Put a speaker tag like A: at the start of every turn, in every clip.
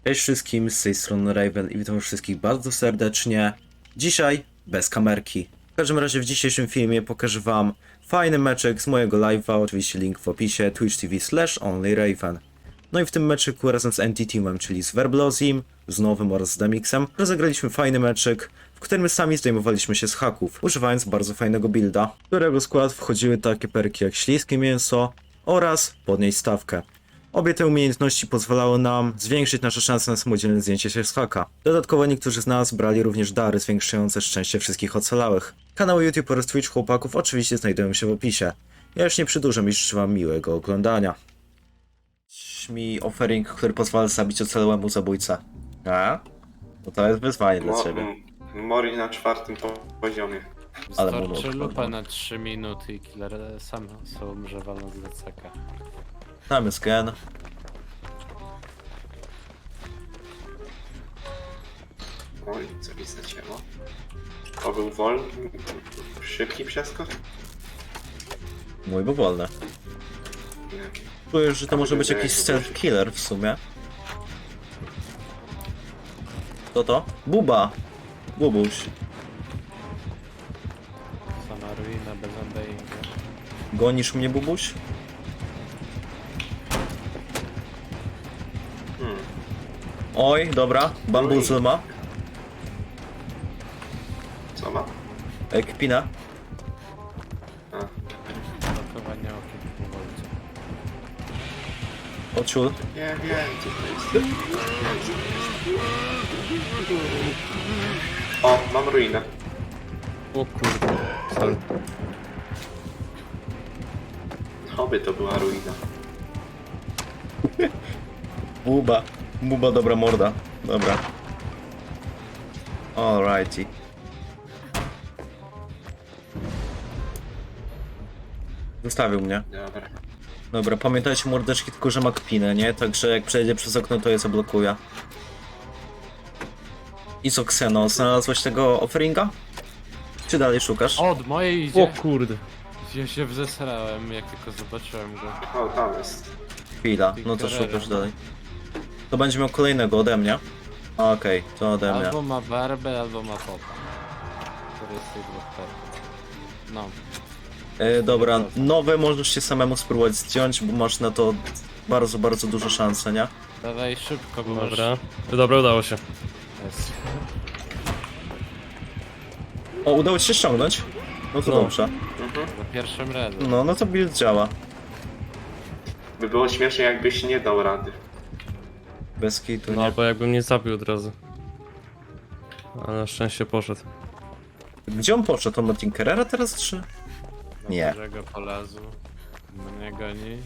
A: Cześć wszystkim, z tej strony Raven i witam wszystkich bardzo serdecznie. Dzisiaj bez kamerki. W każdym razie w dzisiejszym filmie pokażę wam fajny meczek z mojego live'a, oczywiście link w opisie, twitch.tv/onlyraven. No i w tym meczyku razem z NT-Teamem, czyli z Verblozim, z Nowym oraz z Demixem, rozegraliśmy fajny meczek, w którym sami zdejmowaliśmy się z haków, używając bardzo fajnego builda, w którego skład wchodziły takie perki jak śliskie mięso oraz podnieść stawkę. Obie te umiejętności pozwalały nam zwiększyć nasze szanse na samodzielne zdjęcie się z haka. Dodatkowo niektórzy z nas brali również dary zwiększające szczęście wszystkich ocalałych. Kanały YouTube oraz Twitch chłopaków oczywiście znajdują się w opisie. Ja już nie przedłużam i życzę wam miłego oglądania. Mi offering, który pozwala zabić ocalałemu zabójcę. A? No to jest wyzwanie dla ciebie.
B: Mori na 4. poziomie.
A: Ale
C: Wystarczy
A: mono
C: lupa na 3 minuty i killer sam sobie umrze walnąc z DCK.
A: Tam jest gen.
B: Oj, co mi zacięło. To był wolny, szybki przeskok?
A: Mój był wolny.
B: Nie.
A: Czuję, że to może być jakiś stealth killer w sumie. Co to? Buba! Bubuś.
C: Sama ruina bez undyingu.
A: Gonisz mnie, Bubuś? Oj, dobra. Bambuzel ma.
B: Co ma?
A: Kpina.
B: A,
C: Blokowanie okiem po wolcu.
A: Ociul.
B: nie wiem, co to jest. O, mam ruinę.
C: O kurde. Sorry.
B: Oby to była ruina.
A: Buba. Buba, dobra morda. Dobra. Alrighty. Zostawił mnie.
B: Dobra.
A: Dobra, pamiętajcie mordeczki tylko, że ma kpinę, nie? Także jak przejdzie przez okno, to je zablokuje. Isoxeno, znalazłeś tego offeringa? Czy dalej szukasz?
C: O, od mojej idzie.
D: O kurde.
C: Ja się wzesrałem, jak tylko zobaczyłem go.
B: O, tam jest.
A: Chwila, no to szukasz dalej. To będzie miał kolejnego ode mnie. Okej, to ode mnie.
C: Albo ma barbę, albo ma popa. Który jest tych dwóch perków. No.
A: Dobra, nowe możesz się samemu spróbować zdjąć, bo masz na to bardzo, bardzo duże szanse, nie?
C: Dawaj szybko, bo
D: Dobra. Dobra, udało się.
C: Jest.
A: O, udało ci się ściągnąć? No to
D: No.
A: dobrze.
C: Za pierwszym razem.
A: No to build działa.
B: By było śmiesznie, jakbyś nie dał rady.
A: Bez kitu,
D: No
A: nie?
D: albo jakbym nie zabił od razu. Ale na szczęście poszedł.
A: Gdzie on poszedł? On ma Tinkerera teraz, czy? Nie.
C: Dużego polazł. Mnie goni.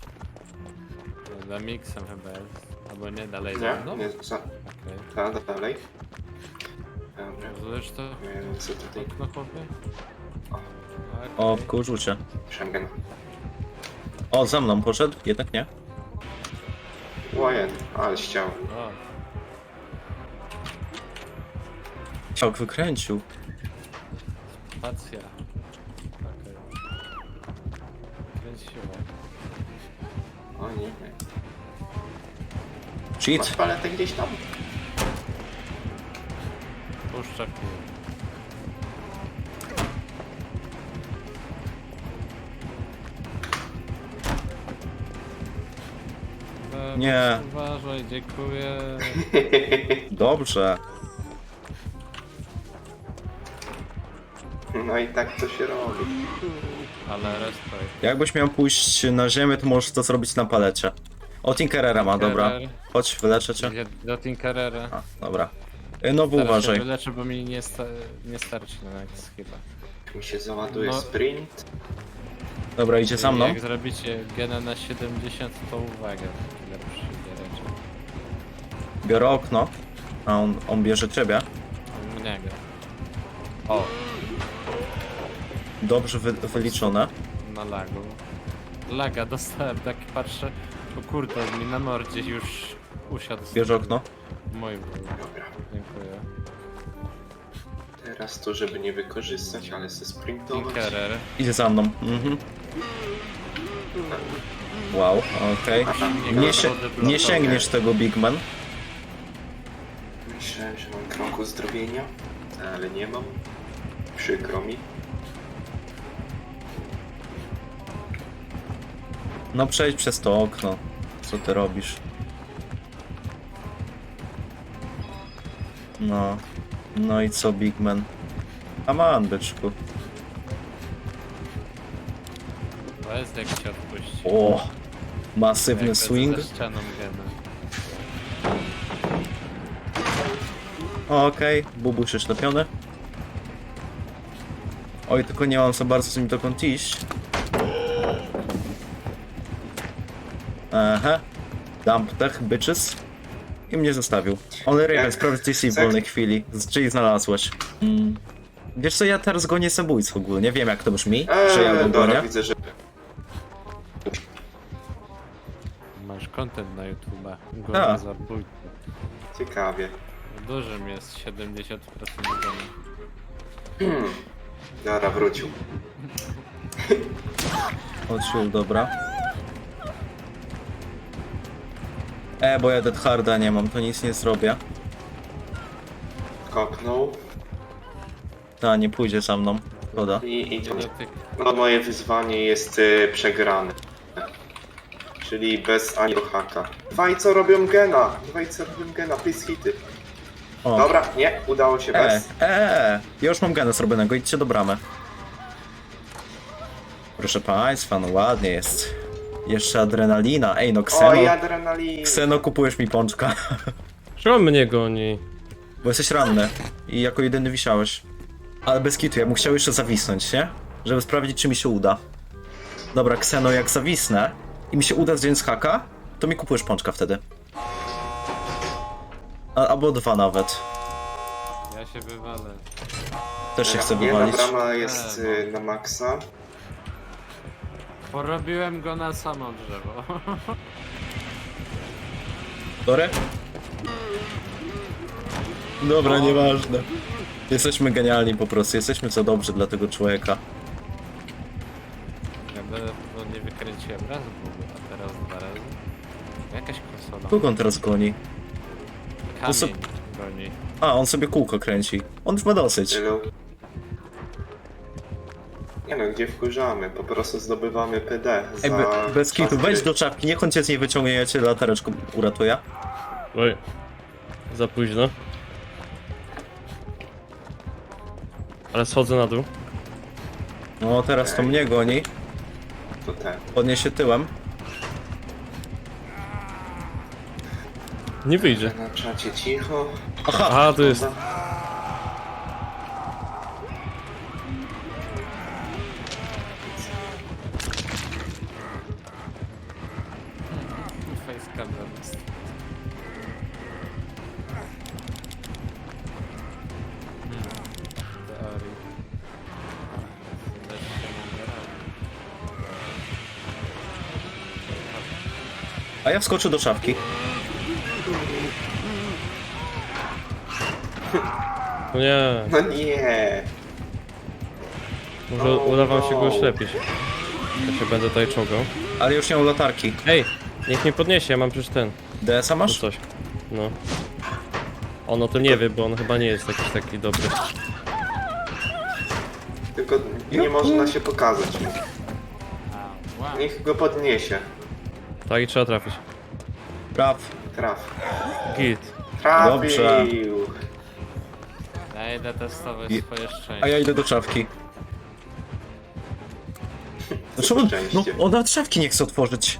C: Za miksem chyba jest. Albo nie, dalej za mną.
B: Nie, nie, za...
C: Okej.
B: Dalej. Dobra.
C: Rozumiesz to?
B: Nie wiem, co tutaj.
C: Okno chłopie?
A: O, wkurzył cię.
B: Schengen.
A: O, za mną poszedł? Jednak nie.
B: Łajen, ale ściał.
C: O,
A: Ciałk wykręcił.
C: spacja. Okej. Kręciło.
B: O nie, nie. Masz
A: Cheat.
B: paletę gdzieś tam?
C: Puszcza pił.
A: Nie.
C: Uważaj, dziękuję.
A: Dobrze.
B: No i tak to się robi.
C: Ale respekt.
A: Jakbyś miał pójść na ziemię, to możesz to zrobić na palecie. O, Tinkerera ma, dobra.
C: Tinkerer.
A: Chodź, wyleczę cię.
C: Idzie do Tinkerera.
A: A, dobra. Nowy
C: Teraz się
A: uważaj.
C: wyleczę, bo mi nie starczy na nic chyba.
B: Mi się załaduje
C: No.
B: sprint.
A: Dobra, idzie za mną.
C: Jak zrobicie gena na 70, to uwaga. Killer przyjdzie raczej.
A: Biorę okno. A on bierze ciebie.
C: Mnie go. O,
A: Dobrze wyliczone.
C: na lagu. Laga dostałem, tak patrzę. O kurde, mi na mordzie już usiadł.
A: Bierze okno.
C: Mój był.
B: Dobra.
C: Dziękuję.
B: Teraz to, żeby nie wykorzystać, ale se sprintować.
C: Tinkerer.
A: Idzie za mną. Mhm. Wow, okej. Nie sięgniesz tego, Big Man.
B: Myślałem, że mam kroku zdrowienia, ale nie mam. Przykro mi.
A: No przejdź przez to okno. Co ty robisz? No. No i co, Big Man? Come on, byczku.
C: To jest jak się odpuści.
A: O! Masywny
C: Jak
A: swing.
C: Ze ścianą gena.
A: Okej, bubuś oślepiony. Oj, tylko nie mam za bardzo z nim dokąd iść. Aha. Dump tech, bitches. I mnie zostawił. Ale Raven,
B: Jak
A: sprawdź TC w
B: chcę-
A: wolnej chwili. Czyli znalazłeś. Wiesz co, ja teraz gonię zabójców ogólnie. Wiem jak to brzmi, że ja go
B: Dobra,
A: gonię.
B: widzę, że...
C: Masz content na YouTube.
A: A.
C: Gona zabójcy.
B: Ciekawie.
C: Dużym jest 70% gona.
B: Dobra, wrócił.
A: Odczuł, dobra. Bo ja Dead Harda nie mam, to nic nie zrobię.
B: Kopnął.
A: Ta, nie pójdzie za mną. Szkoda.
B: I to...
C: Dotyk.
B: No, moje wyzwanie jest przegrane. Czyli bez ani haka. Dwaj co robią gena! Dwaj co robią gena, please hity.
A: O.
B: Dobra, nie, udało się bez.
A: Ja już mam gena zrobionego, idźcie do bramy. Proszę państwa, no ładnie jest. Jeszcze adrenalina. Ej, no
B: Oj,
A: Kseno.
B: adrenalin!
A: Kseno, kupujesz mi pączka.
D: Czemu mnie goni?
A: Bo jesteś ranny i jako jedyny wisiałeś. Ale bez kitu, ja bym chciał jeszcze zawisnąć, nie? Żeby sprawdzić, czy mi się uda. Dobra, Kseno, jak zawisnę i mi się uda zdjąć z haka, to mi kupujesz pączka wtedy. Albo dwa nawet.
C: Ja się wywalę.
A: Też się chcę
B: Jedna
A: wywalić.
B: brama jest na maksa.
C: Porobiłem go na samo drzewo.
A: Sorry? Dobra, nieważne. Jesteśmy genialni po prostu, jesteśmy co dobrzy dla tego człowieka.
C: Ja będę nie wykręciłem raz w ogóle, a teraz dwa razy. Jakaś konsola.
A: Kogo on teraz goni?
C: Kamień
A: so-
C: goni.
A: A, on sobie kółko kręci. On już ma dosyć.
B: Tylu. Nie no, gdzie wkurzamy? Po prostu zdobywamy PD za...
A: Ej, bez kitu,
B: czas
A: wejdź
B: gry.
A: do czapki, niech on cię z niej wyciągnie, ja cię latareczką uratuję.
D: Oj. Za późno. Ale schodzę na dół.
A: No, teraz to mnie goni.
B: To ten.
A: Podniesie tyłem.
D: Nie wyjdzie.
B: Na czacie cicho.
A: Aha!
D: A, to jest...
C: Facecam zamiast. Teorii. Też się mogę robić.
A: A ja wskoczę do szafki.
D: No nie.
B: No nie!
D: Może uda wam się go oślepić. Ja się będę tutaj czołgał.
A: Ale już nie mam latarki.
D: Ej! Niech mnie podniesie, ja mam przecież ten.
A: DS-a
D: No
A: masz?
D: coś. No. On o tym nie wie, bo on chyba nie jest jakiś taki dobry.
B: Tylko nie można się pokazać.
C: Wow.
B: Niech go podniesie.
D: Tak i trzeba trafić.
A: Praw.
B: Traf.
D: Git.
A: Dobrze.
B: Trafił!
C: Ja idę testować
A: I-
C: swoje szczęście.
A: A ja idę do szafki. Dlaczego? No,
B: Szczęście.
A: on nawet szafki nie chce otworzyć.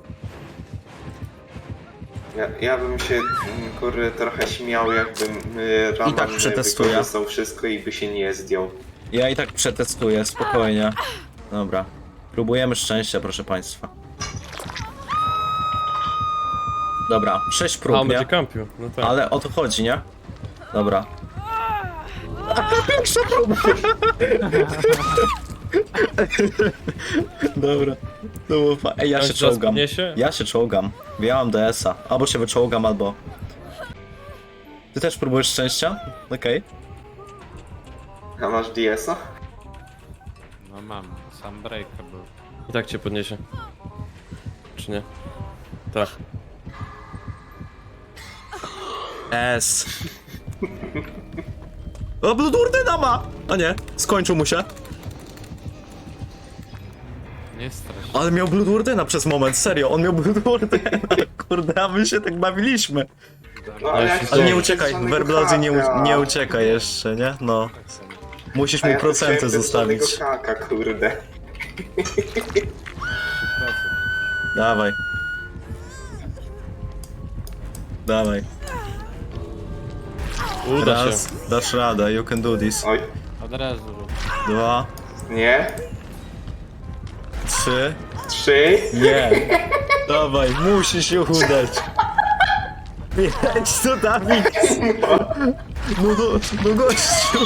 B: Ja bym się, kurde, trochę śmiał, jakbym Raman
A: tak przetestuję.
B: wykorzystał wszystko i by się nie zdjął.
A: Ja i tak przetestuję, spokojnie. Dobra. Próbujemy szczęścia, proszę państwa. Dobra, 6
D: A,
A: prób,
D: on
A: nie?
D: będzie kampił. No tak.
A: Ale o to chodzi, nie? Dobra. Pierwsza próba! Dobra. To było Ej, ja
D: On
A: się
D: się teraz
A: czołgam.
D: podniesie?
A: Ja się czołgam. Ja mam DS-a. Albo się wyczołgam, albo... Ty też próbujesz szczęścia? Okej.
B: A masz DS-a?
C: No mam, sam breakable.
D: I tak cię podniesie. Czy nie? Tak.
A: S. O, Bloodwardena ma! A nie, skończył mu się.
C: Nie strasz.
A: Ale miał Bloodwardena przez moment, serio, on miał Bloodwardena. Kurde, a my się tak bawiliśmy.
B: No, ale, jak
A: Ale nie
B: to-
A: uciekaj,
B: żadnego
A: Werblodzie
B: haka.
A: nie uciekaj jeszcze, nie? No. Musisz
B: A
A: mu
B: ja
A: procenty
B: chciałem bez
A: zostawić.
B: żadnego haka, kurde.
A: Dawaj. Dawaj.
D: Uda się.
A: Raz, dasz radę, you can do this.
B: Oj,
C: Od razu rób.
A: 2,
B: nie?
A: 3.
B: 3.
A: Nie. Dawaj, musi się udać. Jedź to, Dawid. No gościu.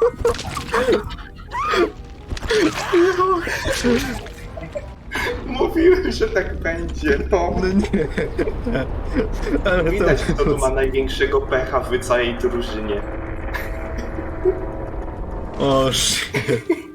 B: Mówiłem, że tak będzie, no.
A: No nie. Ale
B: Widać, kto tu ma największego pecha w całej drużynie.
A: O, shit.